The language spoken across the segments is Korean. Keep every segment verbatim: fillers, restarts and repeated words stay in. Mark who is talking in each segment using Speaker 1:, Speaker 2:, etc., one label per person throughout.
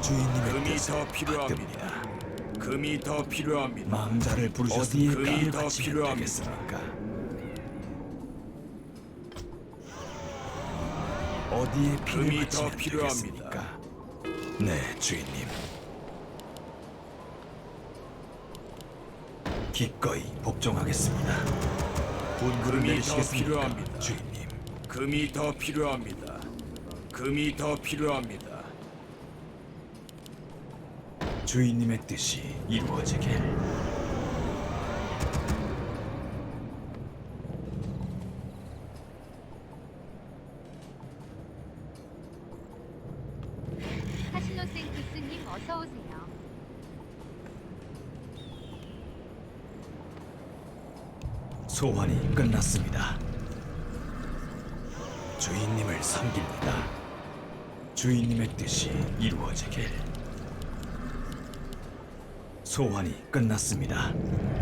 Speaker 1: 주인님의
Speaker 2: 금이
Speaker 1: 뜻을
Speaker 2: 더 필요합니다.
Speaker 1: 받듭니다.
Speaker 2: 금이 더 필요합니다.
Speaker 1: 망자를 부르셔서
Speaker 2: 어디에
Speaker 1: 어디에
Speaker 2: 금이
Speaker 1: 피를
Speaker 2: 더
Speaker 1: 바치면
Speaker 2: 필요합니다.
Speaker 1: 되겠습니까? 어디에 피를
Speaker 2: 금이 더
Speaker 1: 바치면
Speaker 2: 필요합니다.
Speaker 1: 되겠습니까? 네, 주인님. 기꺼이 복종하겠습니다. 분부를
Speaker 2: 금이 더
Speaker 1: 내리시겠습니까,
Speaker 2: 필요합니다.
Speaker 1: 주인님?
Speaker 2: 금이 더 필요합니다. 금이 더 필요합니다.
Speaker 1: 주인님의 뜻이 이루어지길.
Speaker 3: 카시노생크스님 어서 오세요.
Speaker 1: 소환이 끝났습니다. 주인님을 섬깁니다. 주인님의 뜻이 이루어지길. 소환이 끝났습니다.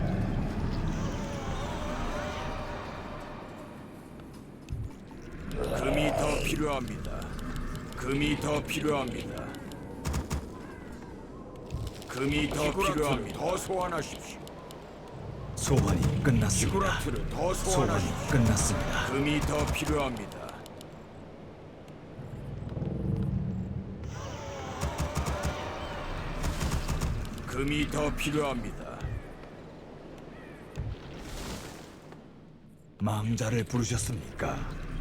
Speaker 2: 금이 더 필요합니다. 금이 더 필요합니다. 금이 더 필요합니다. 더 소환하십시오.
Speaker 1: 소환이 끝났습니다.
Speaker 2: 지구라트를 더
Speaker 1: 소환이
Speaker 2: 소환하십시오.
Speaker 1: 끝났습니다.
Speaker 2: 금이 더 필요합니다. 금이 더 필요합니다.
Speaker 1: 망자를 부르셨습니까?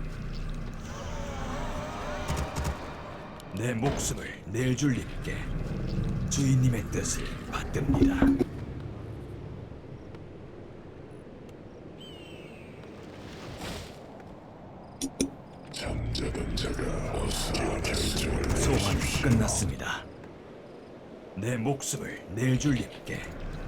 Speaker 1: 내 목숨을 낼 줄님께 주인님의 뜻을 받듭니다.
Speaker 4: 잠자던 자가 어서 결정을
Speaker 1: 소환이 끝났습니다. 내 목숨을 낼 줄님께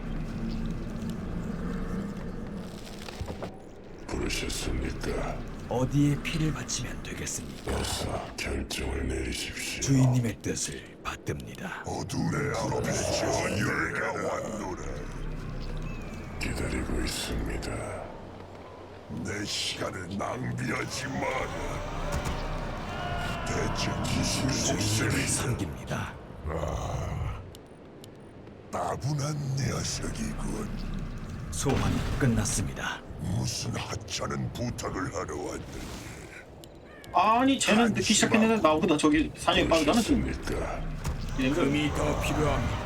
Speaker 4: 부르셨습니까?
Speaker 1: 어디에 피를 바치면 되겠습니까?
Speaker 4: 어서 결정을 내리십시오.
Speaker 1: 주인님의 뜻을 받듭니다.
Speaker 4: 어둠의 앞에 전율가 왔노라. 기다리고 있습니다. 내 시간을 낭비하지 마라. 대체 기술
Speaker 1: 주인님을
Speaker 4: 속셈이
Speaker 1: 섬깁니다.
Speaker 4: 따분한 녀석이군.
Speaker 1: 소환이 끝났습니다.
Speaker 4: 무슨 하찮은 부탁을 하러 왔느냐.
Speaker 5: 아니 쟤는 늦기 시작했는데 나보다 저기 사냥이 빠르다는 좀
Speaker 4: 부르셨습니까?
Speaker 5: 이런 거
Speaker 2: 금이 더 필요합니다.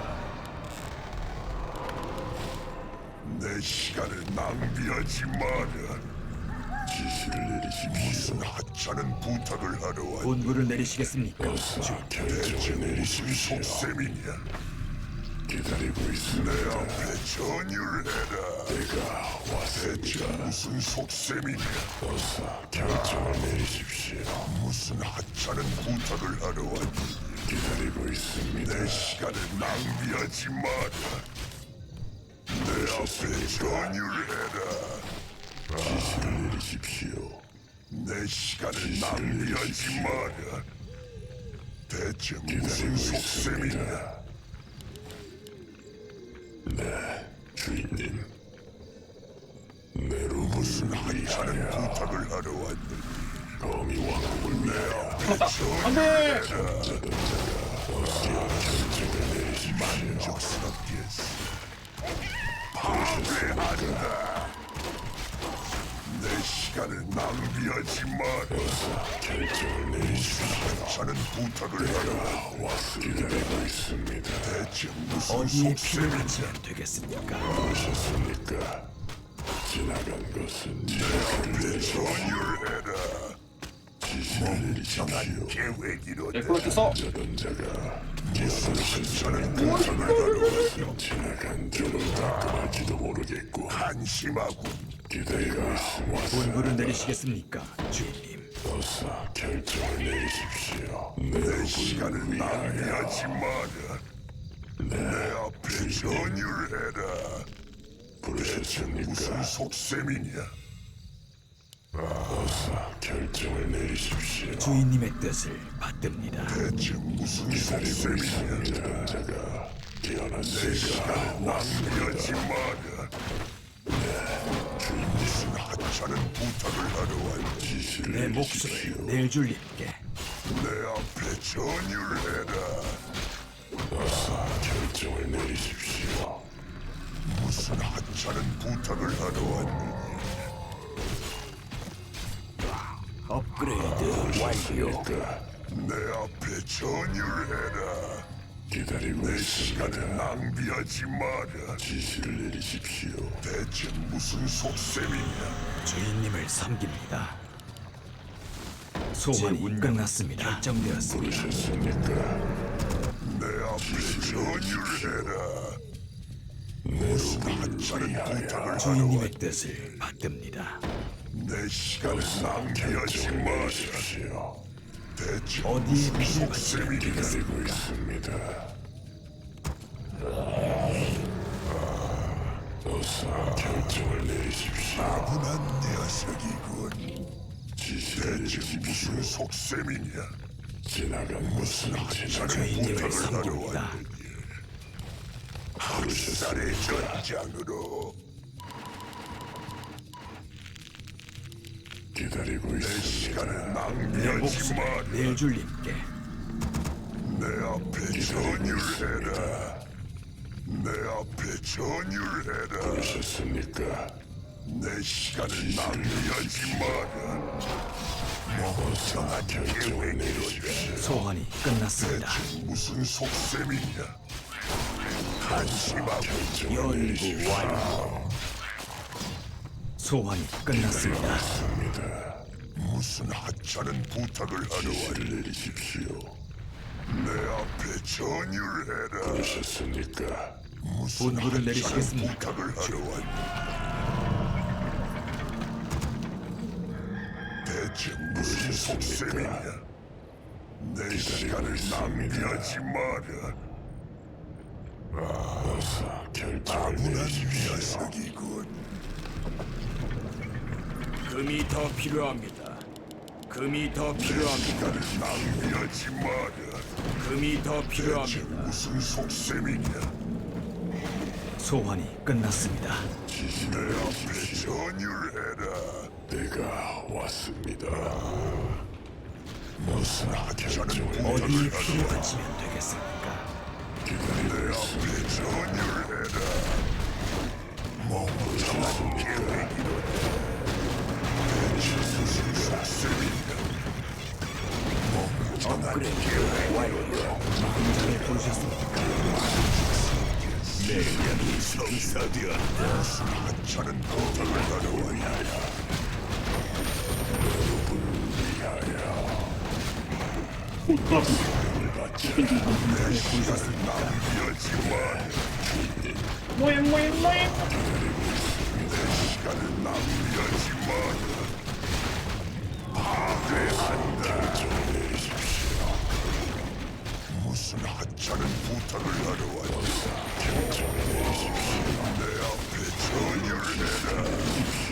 Speaker 4: 내 시간을 낭비하지 마라. 지시를 내리십시오. 무슨 하찮은 부탁을 하러 왔느냐.
Speaker 1: 분부를 내리시겠습니까?
Speaker 4: 어서 결정을 내리십시오. 속셈이냐. 기다리고 있습니다. 내 앞에 전율해라. 내가 왔습니다. 무슨 속셈이냐. 어서 결정을 내리십시오. 무슨 하찮은 부탁을 하러 왔느냐. 기다리고 있습니다. 내 시간을 낭비하지 마라. 내 앞에 전율해라. 지시를 내리십시오. 내 시간을 낭비하지 마라. 대체 무슨 속셈이냐. 네, 주인님. 내로 무슨 하찮은 부탁을 하러 왔느니. 검이 왕국을 내 앞에
Speaker 5: 안돼!
Speaker 4: 잠자던 자가 어서 결정을 내리십시오. 만족스럽게 파괴한다. 내 시간을 낭비하지 마라. 어서 결정을 내리십시오. 하찮은 부탁을 하러 왔습니다. 기다리고 있습니다. 대체 무슨
Speaker 1: 어디에 피를
Speaker 4: 속셈이냐.
Speaker 1: 바치면 되겠습니까?
Speaker 4: 오셨습니까? 지나간 것은 지나간 대로 전율해라. 지시를 내리십시오. 계획이로다.
Speaker 5: 에코를 써.
Speaker 4: 잠자던 자가 무슨 하찮은 부탁을 하러 왔어. 지나간 길을 닦아갈지도 모르겠고. 한심하군. 기다리고 있습니다.
Speaker 1: 분부를 내리시겠습니까, 주인님?
Speaker 4: 어서 결정을 내리십시오. 내 시간을 낭비하지 마라. 내 앞에 전율해라. 부르셨습니까? 무슨 속셈이냐? 어서 결정을 내리십시오.
Speaker 1: 주인님의 뜻을 받듭니다.
Speaker 4: 대체 무슨 속셈이냐? 이런 자가 깨어났으니까 낭비하지 마라. 네, 주인 무슨 하찮은 부탁을 하러 왔 지시를
Speaker 1: 내
Speaker 4: 내리십시오.
Speaker 1: 목숨을 낼 줄님께
Speaker 4: 내 앞에 전율해라. 어서 결정을 내리십시오. 무슨 하찮은 부탁을 하러 왔느냐?
Speaker 2: 업그레이드 완료.
Speaker 4: 내 앞에 전율해라. 기다리고 내 시간을 낭비하지 마라. 지시를 내리십시오. 대체 무슨 속셈이냐?
Speaker 1: 주인님을 섬깁니다. 소환이 끝났습니다. 결정되었습니다.
Speaker 4: 부르셨습니까? 내 앞에 전율해라. 무슨 하찮은 부탁을 하러
Speaker 1: 주인님의 뜻을 받듭니다.
Speaker 4: 내 시간을 낭비하지 마십시오. 대체
Speaker 1: 어디에
Speaker 4: 무슨
Speaker 1: 피를
Speaker 4: 속셈이
Speaker 1: 바치면
Speaker 4: 기다리고 있습니다. 어서 결정을 내리십시오. 아분한 녀석이군. 대체 무슨 속셈이냐? 지나간 무슨 하찮은
Speaker 1: 주인님을
Speaker 4: 부탁을 하러
Speaker 1: 섬깁니다.
Speaker 4: 왔느냐? 학살의 전장으로 기다리고 있습니다. 내 시간을
Speaker 1: 내
Speaker 4: 낭비하지
Speaker 1: 목숨을
Speaker 4: 마라.
Speaker 1: 내줄님께
Speaker 4: 내 앞에 전율해라. 내 앞에 전율해라. 부르셨습니까? 내 시간을 낭비하지 마라. 멍청한 결정을 내리십시오.
Speaker 1: 소환이 끝났습니다.
Speaker 4: 대체 무슨 속셈이냐? 한심한 결정을
Speaker 1: 연구
Speaker 4: 내리십시오.
Speaker 1: 완료. 소환이 끝났습니다.
Speaker 4: 맞습니다. 무슨 하찮은 부탁을 하러 왔를 내리십시오. 내 앞에 전율해라. 부르셨습니까? 무슨
Speaker 1: 분부를
Speaker 4: 하찮은
Speaker 1: 내리시겠습니까?
Speaker 4: 부탁을 하러 왔. 대체 무슨 속셈이냐? 내 시간을 낭비하지 마라. 어서 결정을 내리십시오. 녀석이군.
Speaker 2: 금이 더 필요합니다. 금이 더 필요합니다.
Speaker 4: 시간을 낭비하지 마라.
Speaker 2: 금이 더
Speaker 4: 대체
Speaker 2: 필요합니다.
Speaker 4: 무슨 속셈이냐?
Speaker 1: 소환이 끝났습니다.
Speaker 4: 내 앞에 전율해라. 내가 왔습니다. 무슨 하찮은
Speaker 1: 어디에
Speaker 4: 부탁을
Speaker 1: 피를
Speaker 4: 하러
Speaker 1: 바치면 되겠습니까?
Speaker 4: 내 앞에 전율해라. 멍청한 계획이로다. 대체 무슨 속셈이냐? 멍청한 계획 완료.
Speaker 1: 망자를 부르셨습니까?
Speaker 4: 내 명이 성사되었다. 무슨 하찮은 부탁을 하러 왔냐?
Speaker 1: 망자를 부르셨습니까?
Speaker 4: 낭비하지 마라.
Speaker 5: 모임 모임 모임.
Speaker 4: 시간을 낭비하지 마라. 파괴한다. 결정을 내리십시오. 무슨 하찮은 부탁을 하러 왔냐? 결정을 내리십시오. 내 앞에 전율해라.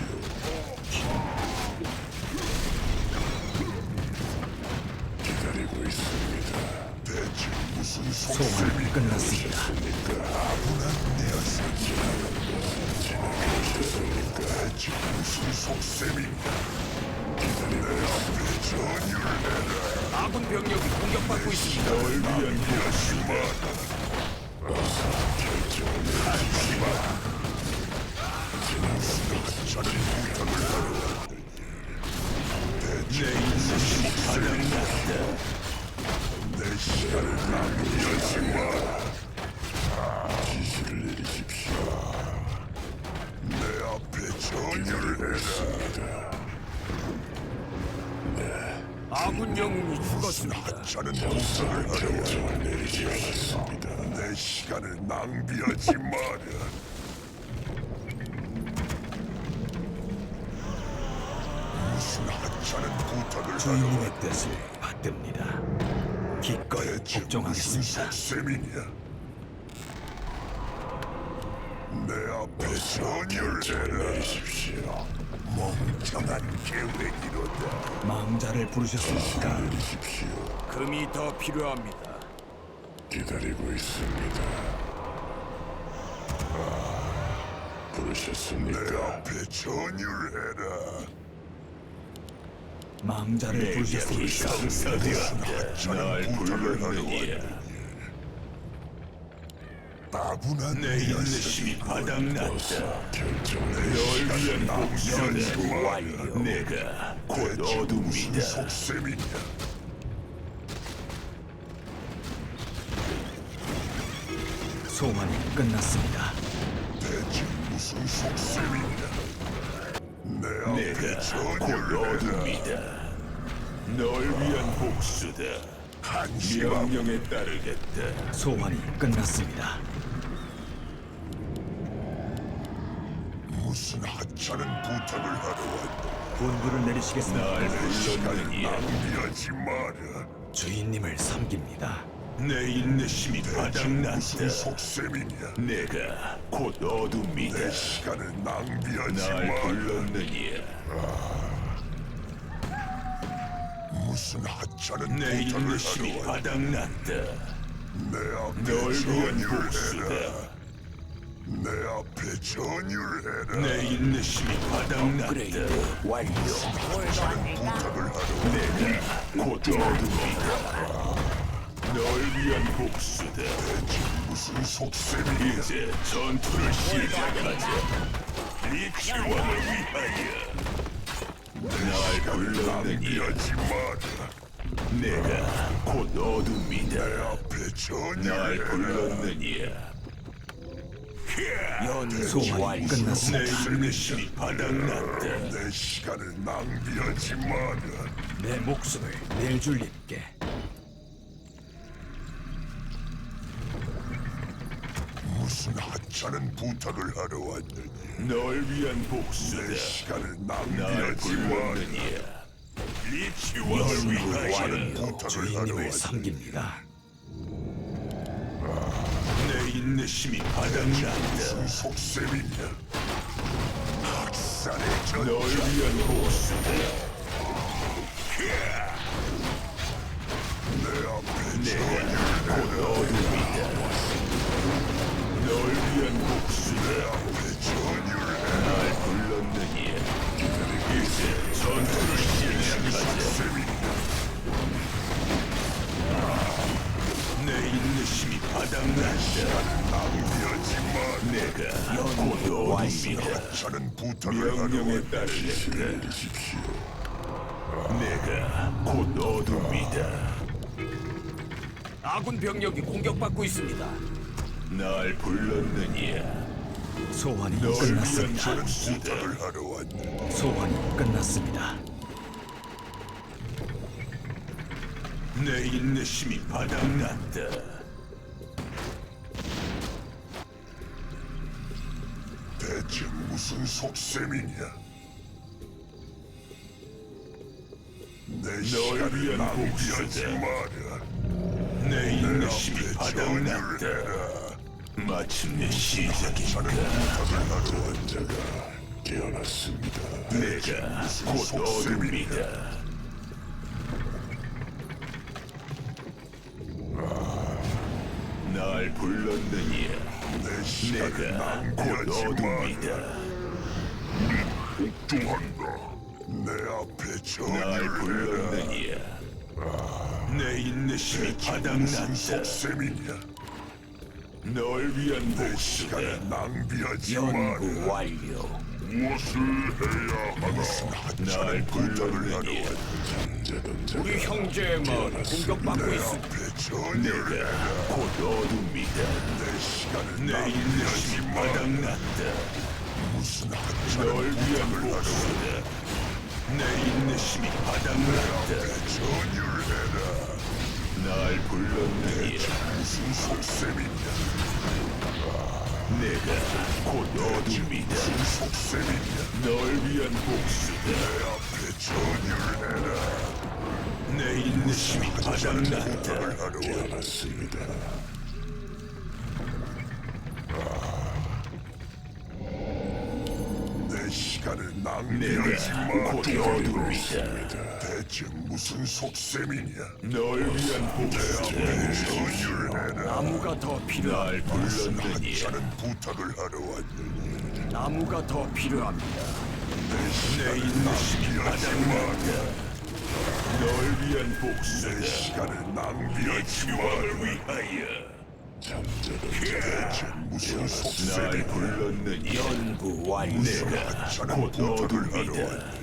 Speaker 4: 기다리고 있습니다. 대체 무슨
Speaker 1: 소환이
Speaker 4: 속셈이
Speaker 1: 끝났습니다.
Speaker 4: 아분한 녀석이야. 대체 무슨 속셈인가? 내 앞에 전율해라.
Speaker 2: 아군 병력이 공격받고 있습니다.
Speaker 4: 낭비하지 마라. 결정을 내리지 마라. 무슨 하찮은 부탁을 하러 왔느냐? 대체 무슨 속셈인가? 내 시간을 낭비하지 마라. 지시를 내리십시오. 내 앞에 전율해라.
Speaker 2: 아군 영웅이
Speaker 4: 무슨
Speaker 2: 죽었습니다.
Speaker 4: 하찮은 부탁을 하러 왔느냐? 내 시간을 낭비하지 마라. 무슨 하찮은 부탁을 하러
Speaker 1: 주인님의 뜻을 받듭니다. 기꺼이
Speaker 4: 대체 무슨
Speaker 1: 복종하겠습니다.
Speaker 4: 속셈이냐? 내 앞에 전율해라. 내리십시오. 멍청한 계획이로다.
Speaker 1: 망자를 부르셨습니까?
Speaker 4: 내리십시오.
Speaker 2: 금이 더 필요합니다.
Speaker 4: 기다리고 있습니다. 아, 부르셨습니까? 내 앞에 전율해라.
Speaker 1: 망자를 부르셨습니까?
Speaker 4: 날 불렀느냐? 따분한
Speaker 1: 내 인내심이 바닥났다.
Speaker 4: 결정을
Speaker 1: 널 위한 복수다.
Speaker 4: 연구
Speaker 1: 완료. 내가 곧 어둠이다.
Speaker 4: 속셈이냐?
Speaker 1: 소환이 끝났습니다.
Speaker 4: 대체 무슨 속셈이냐? 내 앞에
Speaker 1: 내가 곧
Speaker 4: 전율해라.
Speaker 1: 어둠이다. 널 위한 복수다.
Speaker 4: 한심하고
Speaker 1: 명령에 따르겠다. 소환이 끝났습니다.
Speaker 4: 무슨 하찮은 부탁을 하러 왔다.
Speaker 1: 분부를 내리시겠습니다. 날
Speaker 4: 시간을
Speaker 1: 불렀느니
Speaker 4: 낭비하지 마라.
Speaker 1: 주인님을 섬깁니다. 내 인내심이
Speaker 4: 무슨
Speaker 1: 바닥났다.
Speaker 4: 속셈이냐?
Speaker 1: 내가 곧 어둠이다.
Speaker 4: 내 시간을 낭비하지
Speaker 1: 날
Speaker 4: 마라.
Speaker 1: 불렀느니
Speaker 4: 무슨 하찮은
Speaker 1: 내
Speaker 4: 부탁을
Speaker 1: 인내심이
Speaker 4: 하러 왔다.
Speaker 1: 바닥났다.
Speaker 4: 내 앞에
Speaker 1: 널 위한
Speaker 4: 전율해라.
Speaker 1: 복수다.
Speaker 4: 내 앞에 전율해라.
Speaker 1: 내 인내심이 바닥났다. 완료.
Speaker 4: 하찮은 부탁을 하러 왔다.
Speaker 1: 내가 곧 어둠이다. 널 위한 복수다.
Speaker 4: 무슨 속셈이냐?
Speaker 1: 이제 전투를 시작하자. 리치왕을 위하여. 날 불렀느니
Speaker 4: 낭비하지 마라.
Speaker 1: 내가 곧 어둠이다.
Speaker 4: 앞에
Speaker 1: 날
Speaker 4: 전율해라.
Speaker 1: 불렀느니 소환이 끝났습니다. 내 인내심이 바닥났다.
Speaker 4: 내 시간을 낭비하지 마라.
Speaker 1: 내 목숨을 낼 줄님께.
Speaker 4: 무슨 하찮은 부탁을 하러 왔느냐?
Speaker 1: 널 위한
Speaker 4: 내
Speaker 1: 복수다.
Speaker 4: 시간을
Speaker 1: 날
Speaker 4: 낭비하지 마라.
Speaker 1: 불렀느니 리치왕을 위하여
Speaker 4: 부탁을
Speaker 1: 주인님을
Speaker 4: 하러
Speaker 1: 섬깁니다. 내 인내심이 바닥났다.
Speaker 4: 무슨 속셈이냐? 학살의
Speaker 1: 널
Speaker 4: 전자.
Speaker 1: 위한 복수다.
Speaker 4: 내 앞에
Speaker 1: 내가 곧 어둠이다. 널 위한 복수다.
Speaker 4: 전율해라.
Speaker 1: 날 불렀느니 이제 전투를 시작하자. 내 인내심이 바닥났다.
Speaker 4: 낭비하지 마라.
Speaker 1: 내가 곧 어둠이다.
Speaker 4: 하찮은 부탁을 하러
Speaker 1: 명령에
Speaker 4: 왔다.
Speaker 1: 따르겠다. 내가 곧 어둠이다.
Speaker 2: 아군 병력이 공격받고 있습니다.
Speaker 1: 날 불렀느니
Speaker 6: 소환이
Speaker 1: 널 위한
Speaker 6: 끝났습니다.
Speaker 1: 복수다.
Speaker 4: 부탁을 하러 왔다.
Speaker 6: 소환이 끝났습니다.
Speaker 1: 내 인내심이 바닥났다.
Speaker 4: 대체 무슨 속셈이냐? 내 시간을
Speaker 1: 위한
Speaker 4: 낭비하지
Speaker 1: 복수다.
Speaker 4: 마라.
Speaker 1: 내 인내심이
Speaker 4: 앞에
Speaker 1: 바닥났다.
Speaker 4: 전율해라.
Speaker 1: 마침내 시작인가.
Speaker 4: 부탁을 하러 온 자가 깨어났습니다.
Speaker 1: 내가 곧 어둠이다. 날 불렀느니
Speaker 4: 내 시간을
Speaker 1: 내가 곧
Speaker 4: 낭비하지 마라.
Speaker 1: 어둠이다.
Speaker 4: 복종한다. 내 앞에
Speaker 1: 날
Speaker 4: 전율해라.
Speaker 1: 불렀느니 내 인내심이
Speaker 4: 무슨
Speaker 1: 바닥났다.
Speaker 4: 속셈이냐?
Speaker 1: 널 위한
Speaker 4: 내
Speaker 1: 복수다.
Speaker 4: 시간을 낭비하지
Speaker 1: 연구
Speaker 4: 마라.
Speaker 1: 완료.
Speaker 4: 무엇을 해야 하나?
Speaker 1: 날
Speaker 4: 부탁을 하러
Speaker 1: 불렀느니
Speaker 4: 왔다.
Speaker 2: 우리 형제의 마을이 공격받고
Speaker 4: 내
Speaker 2: 있습니다.
Speaker 4: 앞에 전율해라.
Speaker 1: 내가 곧 어둠이다.
Speaker 4: 내 시간을
Speaker 1: 내
Speaker 4: 낭비하지
Speaker 1: 인내심이
Speaker 4: 마라.
Speaker 1: 바닥났다.
Speaker 4: 무슨
Speaker 1: 널
Speaker 4: 하찮은
Speaker 1: 위한
Speaker 4: 부탁을 하러
Speaker 1: 복수다. 내 인내심이 바닥났다.
Speaker 4: 전율해라.
Speaker 1: 날 불렀느니
Speaker 4: 무슨 속셈이냐?
Speaker 1: 내가 곧 어둠이다.
Speaker 4: 무슨 속셈이냐?
Speaker 1: 널 위한 복수다.
Speaker 4: 내 앞에 전율해라.
Speaker 1: 내 인내심이 바닥났다.
Speaker 4: 부탁을 하러 왔습니다. 내 시간을 낭비하지
Speaker 1: 내가
Speaker 4: 마.
Speaker 1: 곧 어둠이다.
Speaker 4: 대체 무슨 속셈이냐?
Speaker 1: 널 위한 복수다.
Speaker 4: 전율해라.
Speaker 2: 나무가 더 필요합니다.
Speaker 1: 날 불렀느니
Speaker 4: 하찮은 부탁을 하러 왔느니
Speaker 2: 나무가 더 필요합니다.
Speaker 1: 내 인내심이 바닥났다. 널 위한
Speaker 4: 내
Speaker 1: 복수다.
Speaker 4: 시간을 낭비하지
Speaker 1: 왕을
Speaker 4: 마라.
Speaker 1: 위하여
Speaker 4: 잠자던 대체 무슨 속셈이
Speaker 1: 날 불렀느니
Speaker 2: 연구 완료.
Speaker 1: 내가 곧 어둠이다.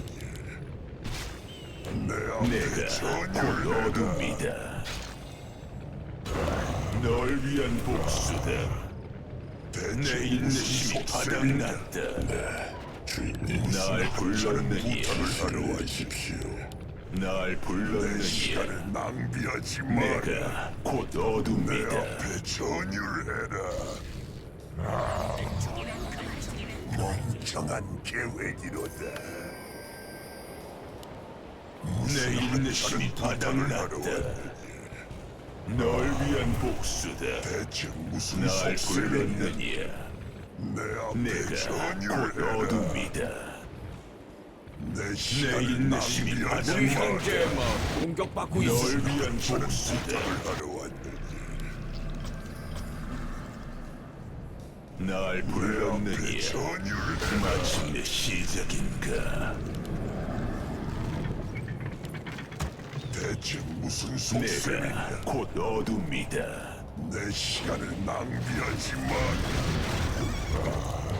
Speaker 4: 내 앞에
Speaker 1: 내가 곧
Speaker 4: 전율을 해라.
Speaker 1: 어둠이다. 널 위한 복수다. 내
Speaker 4: 대체 무슨
Speaker 1: 인내심이
Speaker 4: 속셈이냐?
Speaker 1: 바닥났다.
Speaker 4: 주인님 무슨
Speaker 1: 날
Speaker 4: 하찮은
Speaker 1: 불렀느니
Speaker 4: 부탁을 하러 와십시오.
Speaker 1: 날
Speaker 4: 내
Speaker 1: 불렀느니
Speaker 4: 시간을 낭비하지 마라.
Speaker 1: 내가 곧
Speaker 4: 내
Speaker 1: 어둠이다.
Speaker 4: 앞에 전율해라. 아, 멍청한 계획이로다.
Speaker 1: 내 인내심이 바닥났다. 널 위한 복수다.
Speaker 4: 대체 무슨
Speaker 1: 날
Speaker 4: 속셈이냐?
Speaker 1: 불렀느니
Speaker 4: 내 앞에
Speaker 1: 내가 곧
Speaker 4: 전율해라.
Speaker 1: 어둠이다.
Speaker 4: 내
Speaker 1: 내
Speaker 4: 시간을
Speaker 1: 인내심이
Speaker 4: 낭비하지
Speaker 2: 우리
Speaker 1: 바닥났다.
Speaker 4: 마라.
Speaker 2: 형제 뭐 공격받고
Speaker 1: 널
Speaker 2: 있습니다.
Speaker 1: 위한 복수다.
Speaker 4: 부탁을 하러 왔느니
Speaker 1: 날
Speaker 4: 내 앞에
Speaker 1: 불렀느니
Speaker 4: 전율해라.
Speaker 1: 마침내 시작인가?
Speaker 4: 대체 무슨 속셈이냐?
Speaker 1: 내가 곧 어둠이다.
Speaker 4: 내 시간을 낭비하지 마라.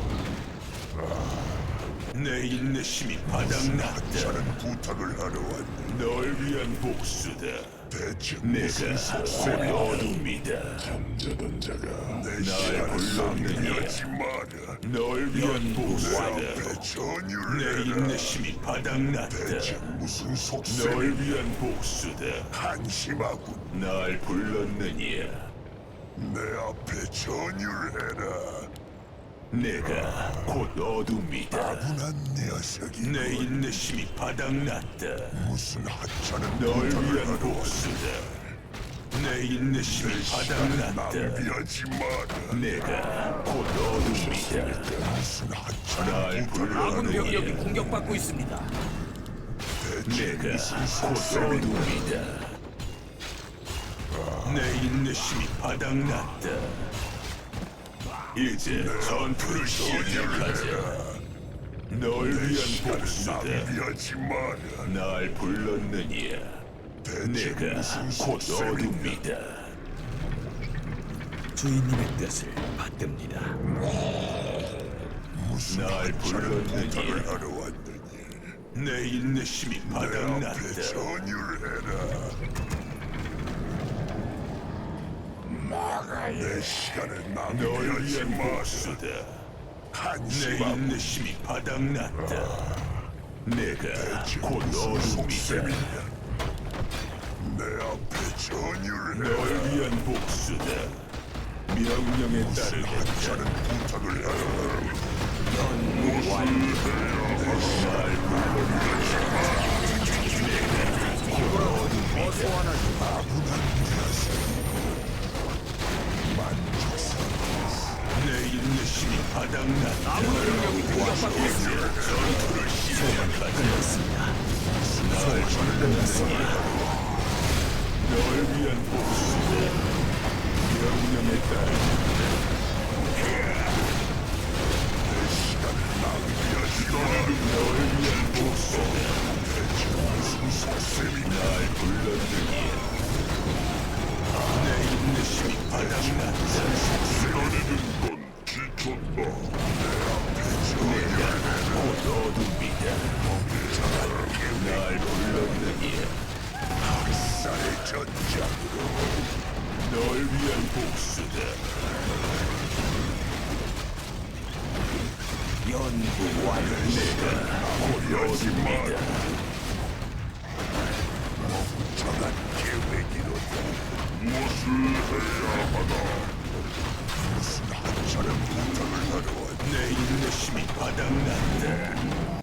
Speaker 1: 내 인내심이 바닥났다.
Speaker 4: 하찮은 부탁을 하러 왔느니
Speaker 1: 널 위한 복수다.
Speaker 4: 대체
Speaker 1: 내가
Speaker 4: 무슨
Speaker 1: 곧
Speaker 4: 속셈이냐?
Speaker 1: 어둠이다.
Speaker 4: 잠자던 자가 내
Speaker 1: 날
Speaker 4: 시간을
Speaker 1: 불렀느니
Speaker 4: 낭비하지 마라.
Speaker 1: 널 위한
Speaker 4: 내
Speaker 1: 복수다.
Speaker 4: 앞에
Speaker 1: 내
Speaker 4: 전율해라.
Speaker 1: 인내심이
Speaker 4: 대체
Speaker 1: 바닥났다.
Speaker 4: 무슨
Speaker 1: 널
Speaker 4: 속셈이냐?
Speaker 1: 위한 복수다.
Speaker 4: 한심하군.
Speaker 1: 날 불렀느니
Speaker 4: 내 앞에 전율해라.
Speaker 1: 내가 곧 어둠이다.
Speaker 4: 분한 녀석이
Speaker 1: 내 인내심이 바닥났다.
Speaker 4: 무슨 하찮은
Speaker 1: 널
Speaker 4: 부탁을
Speaker 1: 위한
Speaker 4: 하러
Speaker 1: 복수다. 내 인내심이 바닥났다.
Speaker 4: 낭비하지 마라.
Speaker 1: 내가 곧 어둠이다.
Speaker 4: 무슨 하찮은
Speaker 1: 날
Speaker 4: 부탁을
Speaker 2: 아군
Speaker 4: 하러
Speaker 2: 병력이 공격받고 있습니다.
Speaker 4: 대체
Speaker 1: 내가
Speaker 4: 무슨
Speaker 1: 곧
Speaker 4: 속셈이냐?
Speaker 1: 어둠이다. 내 인내심이 바닥났다. 이제 전투를 시작하자. 널 위한 복수다.
Speaker 4: 낭비하지 마라.
Speaker 1: 날 불렀느니
Speaker 4: 대체
Speaker 1: 내가
Speaker 4: 무슨
Speaker 1: 곧
Speaker 4: 속셈이냐?
Speaker 1: 어둠이다.
Speaker 6: 주인님의 뜻을 받듭니다.
Speaker 4: 무슨
Speaker 1: 날
Speaker 4: 하찮은
Speaker 1: 불렀느니
Speaker 4: 부탁을 하러 왔느니
Speaker 1: 내 인내심이
Speaker 4: 내 앞에
Speaker 1: 바닥났다.
Speaker 4: 전율해라. 내 시간을
Speaker 1: 널
Speaker 4: 낭비하지
Speaker 1: 위한
Speaker 4: 마라.
Speaker 1: 복수다. 내
Speaker 4: 한심하고
Speaker 1: 인내심이 바닥났다. 내가 곧 어둠이다.
Speaker 4: 속셈이냐? 내 앞에
Speaker 1: 널
Speaker 4: 전율해라.
Speaker 1: 위한 복수다. 명령에
Speaker 4: 무슨
Speaker 1: 따르겠다.
Speaker 4: 하찮은 부탁을 하러 왔느니
Speaker 1: 내 인내심이 바닥났다.
Speaker 2: 아군 병력이 공격받고 있습니다.
Speaker 1: 전투를 시작하자.
Speaker 6: 끝났습니다.
Speaker 1: 널 위한 복수다. 명령에 따르겠다. 널 위한 복수다. 날 불렀느니 내 인내심이 바닥났다. 내가 곧 어둠이다. 날 불렀느니
Speaker 4: 학살의 전장으로
Speaker 1: 널 위한 복수다. 연구 완료. 내가 곧 어둠이다.
Speaker 4: 정한 계획이로다. 무엇을 해야 하나? 무슨 하찮은 부탁을 하러 왔느니
Speaker 1: 내 인내심이 바닥났다.